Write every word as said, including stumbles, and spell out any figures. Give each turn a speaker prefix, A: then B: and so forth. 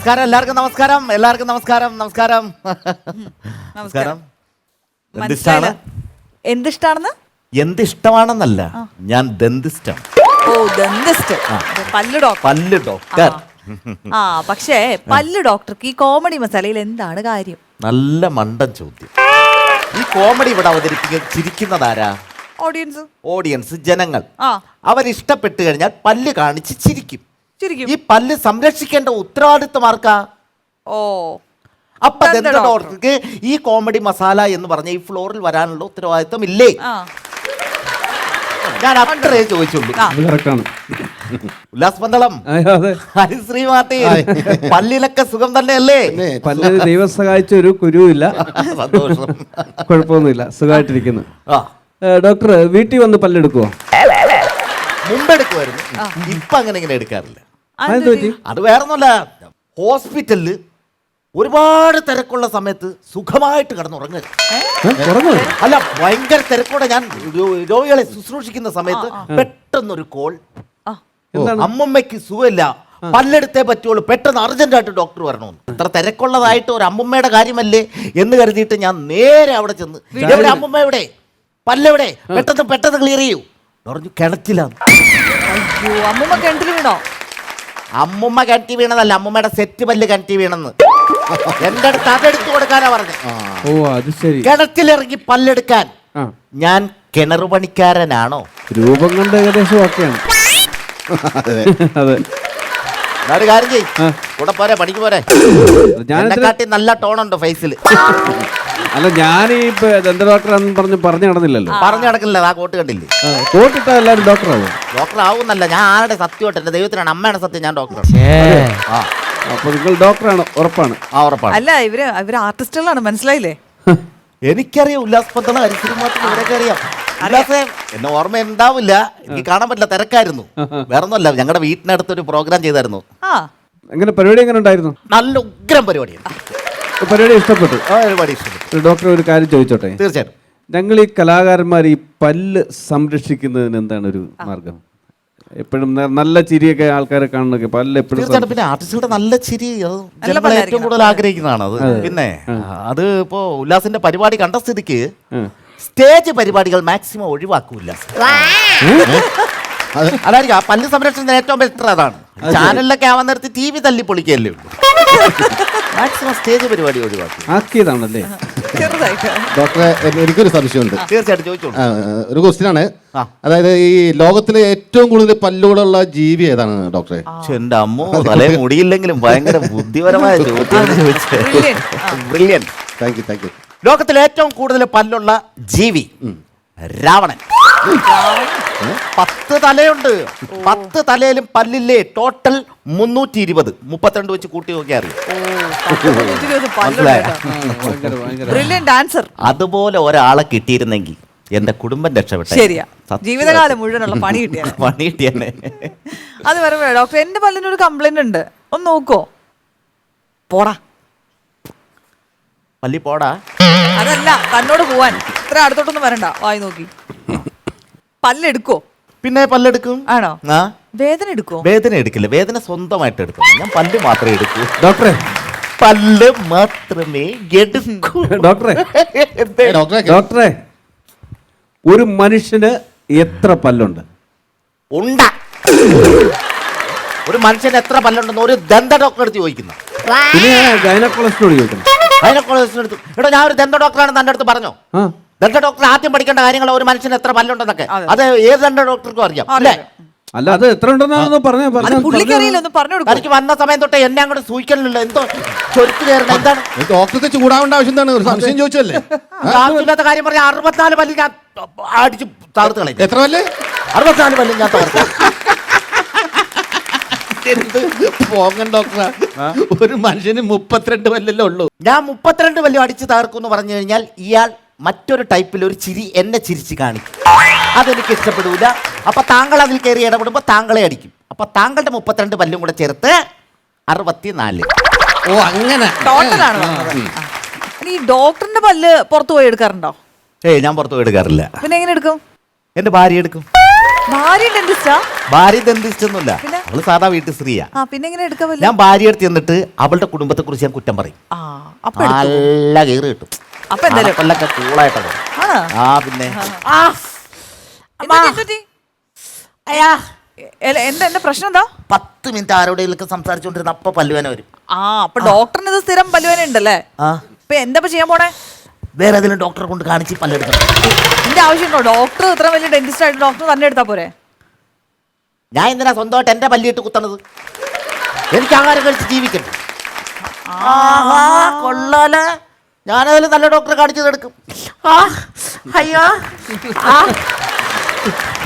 A: നമസ്കാരം എല്ലാവർക്കും നമസ്കാരം എല്ലാവർക്കും നമസ്കാരം നമസ്കാരം നമസ്കാരം എന്തിഷ്ടാണ്
B: എന്തിഷ്ടാണെന്ന്
A: എന്തിഷ്ടമാണെന്നല്ല ഞാൻ ദന്തിസ്റ്റാണ്.
B: ഓ ദന്തിസ്റ്റ് പല്ല് ഡോക്ടർ
A: പല്ല് ഡോക്ടർ.
B: ആ പക്ഷേ പല്ല് ഡോക്ടർക്ക് ഈ കോമഡി മസാലയിൽ എന്താണ് കാര്യം?
A: നല്ല മണ്ടൻ ചോദ്യം. ഈ കോമഡി ഇവിടെ അവതരിപ്പിക്കുന്ന ചിരിക്കുന്നതാരാ?
B: ഓഡിയൻസ്
A: ഓഡിയൻസ് ജനങ്ങൾ.
B: ആ
A: അവരിഷ്ടപ്പെട്ട് കഴിഞ്ഞാൽ പല്ല് കാണിച്ച് ചിരിക്കും.
B: ചിരിക്കും.
A: ഈ പല്ല് സംരക്ഷിക്കേണ്ട ഉത്തരവാദിത്വം ആർക്കാ?
B: ഓ
A: അപ്പൊ ദന്ത ഡോക്ടർക്ക് ഈ കോമഡി മസാല എന്ന് പറഞ്ഞ ഈ ഫ്ലോറിൽ വരാനുള്ള ഉത്തരവാദിത്വം ഇല്ലേ? ഞാൻ അത്രേ ചോദിച്ചുള്ളൂ. ഉല്ലാസ് പന്തളം, ഹരിശ്രീ മാർട്ടിൻ, പല്ലിലൊക്കെ സുഖം തന്നെയല്ലേ?
C: പല്ലിന് ദൈവം സഹായിച്ച ഒരു കുരുവില്ല,
A: സന്തോഷം,
C: കുഴപ്പമൊന്നുമില്ല, സുഖമായിട്ടിരിക്കുന്നു. ഡോക്ടർ വീട്ടിൽ വന്ന് പല്ലെടുക്കുവോ?
A: മുമ്പെടുക്കുമായിരുന്നു, ഇപ്പൊ അങ്ങനെ ഇങ്ങനെ എടുക്കാറില്ല. അത് വേറൊന്നുമല്ല, ഹോസ്പിറ്റലില് ഒരുപാട് തിരക്കുള്ള സമയത്ത് സുഖമായിട്ട് കിടന്നുറങ്ങരുത്. അല്ല, ഭയങ്കര തിരക്കോടെ ഞാൻ രോഗികളെ ശുശ്രൂഷിക്കുന്ന സമയത്ത് പെട്ടെന്നൊരു കോൾ, അമ്മമ്മയ്ക്ക് സുഖമില്ല, പല്ലെടുത്തേ പറ്റുള്ളൂ, പെട്ടെന്ന് അർജന്റായിട്ട് ഡോക്ടർ വരണമെന്ന്. ഇത്ര തിരക്കുള്ളതായിട്ട് ഒരു അമ്മമ്മയുടെ കാര്യമല്ലേ എന്ന് കരുതിയിട്ട് ഞാൻ നേരെ അവിടെ ചെന്ന്, എവിടെ അമ്മമ്മ, എവിടെ പല്ലെവിടെ, പെട്ടെന്ന് പെട്ടെന്ന് ക്ലിയർ ചെയ്യൂ പറഞ്ഞു. കിണറ്റിലാണ്.
B: അമ്മൂമ്മ കിണറ്റിൽ വീണോ?
A: അമ്മുമ്മ കിണറ്റി വീണതല്ല, അമ്മുമ്മയുടെ സെറ്റ് പല്ല് കിണറ്റി വീണെന്ന് എന്റെ അടുത്ത് അതെടുത്തു കൊടുക്കാനാ പറഞ്ഞു.
C: ഓ അത് ശരി.
A: കിണറ്റിലിറങ്ങി പല്ലെടുക്കാൻ ഞാൻ കിണറു പണിക്കാരനാണോ?
C: രൂപം കൊണ്ട് ഏകദേശം ഒക്കെയാണ്. അതെ,
A: ഒരു കാര്യം ചെയ്യ്, കൂടെ പോരെ, പണിക്ക് പോരെ. ഞാനെക്കാട്ടി നല്ല ടോണുണ്ട് ഫേസിൽ.
C: അല്ല, ഞാൻ ഈ ദന്ത ഡോക്ടറാന്ന് പറഞ്ഞ് പറഞ്ഞു നടന്നില്ലല്ലോ.
A: പറഞ്ഞു നടക്കില്ല, ആ കോട്ട് കണ്ടില്ലേ?
C: കോട്ടിട്ട എല്ലാവരും ഡോക്ടറാവും.
A: ഡോക്ടർ ആവുന്നല്ല, ഞാൻ ആരുടെ സത്യമായിട്ട് എന്റെ ദൈവത്തിനാണ്, അമ്മയുടെ സത്യം, ഞാൻ ഡോക്ടർ.
C: അപ്പൊ നിങ്ങൾ ഡോക്ടറാണ്, ഉറപ്പാണ്?
A: ആ ഉറപ്പാണ്.
B: അല്ല, ഇവര് ഇവര് ആർട്ടിസ്റ്റുകളാണ്, മനസ്സിലായില്ലേ?
A: എനിക്കറിയാം ഉല്ലാസ് പന്തള, ഹരിശ്രീ മാർട്ടിൻ, ഇവരൊക്കെ അറിയാം. ഉല്ലാസേ, എന്നെ ഓർമ്മ ഉണ്ടാവില്ല, എനിക്ക് കാണാൻ പറ്റില്ല, തിരക്കായിരുന്നു. വേറൊന്നുമല്ല, ഞങ്ങളുടെ വീട്ടിനടുത്തൊരു പ്രോഗ്രാം ചെയ്തായിരുന്നു.
C: എങ്ങനെ പരിപാടി എങ്ങനെ ഉണ്ടായിരുന്നു?
A: നല്ല ഉഗ്രം പരിപാടിയാണ്.
C: പരിപാടി ഇഷ്ടപ്പെട്ടു.
A: ആ പരിപാടി ഇഷ്ടപ്പെട്ടു.
C: ഡോക്ടർ ഒരു കാര്യം ചോദിച്ചോട്ടെ?
A: തീർച്ചയായിട്ടും.
C: ഞങ്ങൾ ഈ കലാകാരന്മാർ ഈ പല്ല് സംരക്ഷിക്കുന്നതിന് എന്താണ് ഒരു മാർഗം? എപ്പോഴും നല്ല ചിരിയൊക്കെ ആൾക്കാരെ കാണുന്നൊക്കെ പല്ല് എപ്പോഴും.
A: തീർച്ചയായിട്ടും. പിന്നെ ആർട്ടിസ്റ്റുകളുടെ നല്ല ചിരി ജനങ്ങൾ ഏറ്റവും കൂടുതൽ ആഗ്രഹിക്കുന്നതാണ് അത്. പിന്നെ അത് ഇപ്പോ ഉല്ലാസിന്റെ പരിപാടി കണ്ട സ്ഥിതിക്ക് സ്റ്റേജ് പരിപാടികൾ മാക്സിമം ഒഴിവാക്കൂല്ല. അതായിരിക്കും ആ പല്ല് സംരക്ഷണത്തിന് ഏറ്റവും ബെറ്റർ അതാണ്. ചാനലിലൊക്കെ ആവാൻ നേരത്ത് ടി വി തല്ലി പൊളിക്കല്ലേ ഉള്ളൂ. മാക്സിമം സ്റ്റേജ് പരിപാടി ഒഴിവാക്കി
C: ആക്കിയതാണല്ലേ?
D: ഡോക്ടറെ, എനിക്കൊരു സംശയമുണ്ട്.
A: തീർച്ചയായിട്ടും ചോദിച്ചോളൂ.
D: ഒരു ക്വസ്റ്റ്യൻ ആണ്. അതായത് ഈ ലോകത്തിലെ ഏറ്റവും കൂടുതൽ പല്ലുകളുള്ള ജീവി ഏതാണ് ഡോക്ടറെ?
A: എന്റെ അമ്മോ, തലേ മുടിയില്ലെങ്കിലും ഭയങ്കര ബുദ്ധിപരമായ ചോദ്യം ചോദിച്ചത്. Brilliant.
D: Thank you, thank you.
A: ലോകത്തിലെ ഏറ്റവും കൂടുതൽ പല്ലുള്ള ജീവി രാവണൻ. പത്ത് തലയുണ്ട്. പത്ത് തലയിലും പല്ലില്ലേ ടോട്ടൽ മുന്നൂറ്റി ഇരുപത്. മുപ്പത്തിരണ്ട് വെച്ച് കൂട്ടി നോക്കിയാൽ അറിയാം. അതുപോലെ ഒരാളെ കിട്ടിയിരുന്നെങ്കിൽ എന്റെ കുടുംബം രക്ഷപ്പെട്ടു.
B: ശരിയാ, ജീവിതകാലം മുഴുവനുള്ള പണി കിട്ടിയ
A: പണി കിട്ടിയെന്നെ.
B: അത് പറയുമ്പോ ഡോക്ടർ, എന്റെ പല്ലിനൊരു കംപ്ലൈന്റ് ഉണ്ട്, ഒന്ന് നോക്കോ?
A: പോടാ പല്ലി പോടാ.
B: അതല്ല, തന്നോട് പോവാൻ ഇത്ര അടുത്തോട്ടൊന്നും വരണ്ട, വായി നോക്കി. പല്ലെടുക്കോ?
A: പിന്നെ പല്ലെടുക്കും.
B: ആണോ?
A: ആ,
B: വേദന എടുക്കോ?
A: വേദന എടുക്കില്ല, വേദന സ്വന്തമായിട്ട് എടുക്കും. ഞാൻ പല്ല് മാത്രമേ എടുക്കൂ.
C: ഡോക്ടറെ,
A: പല്ല് മാത്രമേ എടുക്കൂ.
C: ഡോക്ടറെ ഡോക്ടറെ ഒരു മനുഷ്യന് എത്ര പല്ലുണ്ട്?
A: ഉണ്ട. ഒരു മനുഷ്യന് എത്ര പല്ലുണ്ടെന്ന് ഒരു ദന്ത ഡോക്ടറെ അടുത്ത് ചോദിക്കുന്നു.
C: പിന്നെ ഗൈനക്കോളജിസ്റ്റോട് ചോദിക്കണം.
A: ഗൈനക്കോളജിസ്റ്റിന്റെ അടുത്ത്, എടോ ഞാൻ ഒരു ദന്ത ഡോക്ടറാണ് തന്റെ അടുത്ത് പറഞ്ഞോ? ദന്ത ഡോക്ടർ ആദ്യം പഠിക്കേണ്ട കാര്യങ്ങൾ ഒരു മനുഷ്യന് എത്ര പല്ലുണ്ടെന്നൊക്കെ അത് ഏത് ദന്ത ഡോക്ടർക്കും അറിയാം അല്ലേ?
C: അല്ല, അത് എത്ര ഉണ്ടെന്ന് പറഞ്ഞു.
A: എനിക്ക് വന്ന സമയം തൊട്ടേ എന്നെ അങ്ങോട്ട് സൂചിക്കണില്ല. എന്തോ ചൊരുക്ക് കയറണം. എന്താണ്
D: ഡോക്ടർക്ക് ചൂടാവേണ്ട ആവശ്യം എന്താണ്? ഒരു സംശയം ചോദിച്ചല്ലേ?
A: ആവശ്യമില്ലാത്ത കാര്യം പറഞ്ഞ അറുപത്തിനാല് പല്ല് ഞാൻ അടിച്ച് തകർത്ത് കളയും.
D: എത്ര പല്ല്?
A: അറുപത്തിനാല് പല്ല് ഞാൻ തകർത്ത്.
D: പോകൻ ഡോക്ടറാ, ഒരു മനുഷ്യന് മുപ്പത്തിരണ്ട് പല്ലല്ലേ ഉള്ളൂ.
A: ഞാൻ മുപ്പത്തിരണ്ട് പല്ല് അടിച്ച് തകർക്കും എന്ന് പറഞ്ഞു കഴിഞ്ഞാൽ ഇയാൾ മറ്റൊരു ടൈപ്പിൽ ഒരു ചിരി എന്നെ ചിരിച്ച് കാണിക്കും. അതെനിക്ക് ഇഷ്ടപ്പെടൂല. അപ്പൊ താങ്കൾ അതിൽ കയറി ഇടപെടുമ്പോൾ താങ്കളെ അടിക്കും. അപ്പൊ താങ്കളുടെ മുപ്പത്തിരണ്ട് പല്ലും കൂടെ ചേർത്ത് അറുപത്തിനാല്.
D: ഓ, അങ്ങനെ
B: ടോട്ടലാണ്. ഈ ഡോക്ടറിന്റെ പല്ല് പുറത്തു പോയി എടുക്കാറുണ്ടോ?
A: ഏയ്, ഞാൻ പുറത്തു പോയി എടുക്കാറില്ല.
B: പിന്നെ എങ്ങനെ എടുക്കും?
A: എന്റെ ഭാര്യ എടുക്കും.
B: ഭാര്യ ഡെന്റിസ്റ്റാ?
A: ഭാര്യ ഡെന്റിസ്റ്റ് ഒന്നുമില്ല, അവള് സാധാ വീട്ടു സ്ത്രീയാ.
B: ആ പിന്നെ എങ്ങനെ എടുക്കാൻ പറ്റില്ല?
A: ഞാൻ ഭാര്യ അടുത്ത് ചെന്നിട്ട് അവളുടെ കുടുംബത്തെ കുറിച്ച് ഞാൻ കുറ്റം പറയും.
B: ആ അപ്പൊ എടുത്തു.
A: നല്ല കയറ് കിട്ടും.
B: അപ്പൊ എന്തായാലും
A: കൊല്ലൊക്കെ കൂളായിട്ടോ.
B: ആണോ?
A: ആ പിന്നെ
B: എന്ത് പറ്റി? എ- എന്താ എന്താ പ്രശ്നം എന്താ?
A: പത്ത് മിനിറ്റ് ആരോടെയൊക്കെ സംസാരിച്ചോണ്ടിരുന്ന അപ്പൊ പല്ലുവേന വരും.
B: ആ അപ്പൊ ഡോക്ടറിന് ഇത് സ്ഥിരം പല്ലുവേന ഉണ്ടല്ലേ?
A: ആ
B: ഇപ്പൊ എന്താ ഇപ്പൊ ചെയ്യാൻ പോണേ?
A: വേറെ ഏതെങ്കിലും ഡോക്ടറെ കൊണ്ട് കാണിച്ച് പല്ലെടുക്കണം.
B: എന്റെ ആവശ്യമുണ്ടോ? ഡോക്ടർ ഇത്ര വലിയ ഡെന്റിസ്റ്റ് ആയിട്ട് ഡോക്ടർ തന്നെ എടുത്താ പോരെ?
A: ഞാൻ എന്തിനാ സ്വന്തമായിട്ട് എന്റെ പല്ലിട്ട് കുത്തണത്? എനിക്ക് ആഹാരം കഴിച്ച് ജീവിക്കണ്ടേ? ആഹാ കൊള്ളാല. ഞാനതിൽ നല്ല ഡോക്ടറെ കാണിച്ചത് എടുക്കും. ആ അയ്യോ ആ